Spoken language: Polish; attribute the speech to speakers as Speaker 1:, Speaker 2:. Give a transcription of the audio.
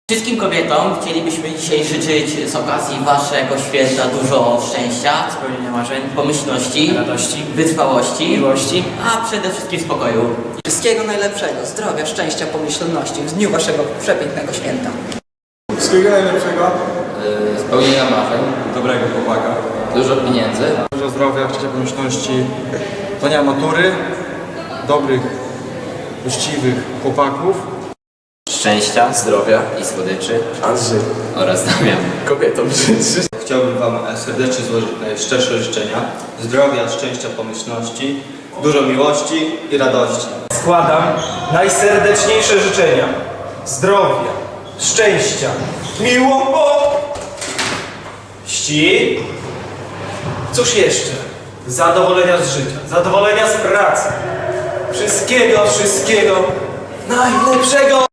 Speaker 1: Wszystkim kobietom chcielibyśmy dzisiaj życzyć z okazji Waszego święta dużo szczęścia, spełnienia marzeń, pomyślności,
Speaker 2: radości,
Speaker 1: wytrwałości,
Speaker 2: miłości,
Speaker 1: a przede wszystkim spokoju.
Speaker 3: Wszystkiego najlepszego, zdrowia, szczęścia, pomyślności w dniu Waszego przepięknego święta.
Speaker 4: Wszystkiego najlepszego.
Speaker 5: Spełnienia marzeń,
Speaker 4: Dobrego chłopaka.
Speaker 5: dużo pieniędzy,
Speaker 4: Dużo zdrowia, szczęścia, pomyślności, zdania matury, dobrych, uczciwych chłopaków.
Speaker 5: szczęścia, zdrowia i słodyczy
Speaker 6: Andrzej,
Speaker 5: oraz Damian.
Speaker 6: kobietom życzy.
Speaker 7: Chciałbym Wam serdecznie złożyć najszczersze życzenia zdrowia, szczęścia, pomyślności, dużo miłości i radości.
Speaker 2: składam najserdeczniejsze życzenia zdrowia, szczęścia, miłości. Cóż jeszcze? Zadowolenia z życia, zadowolenia z pracy. Wszystkiego najlepszego!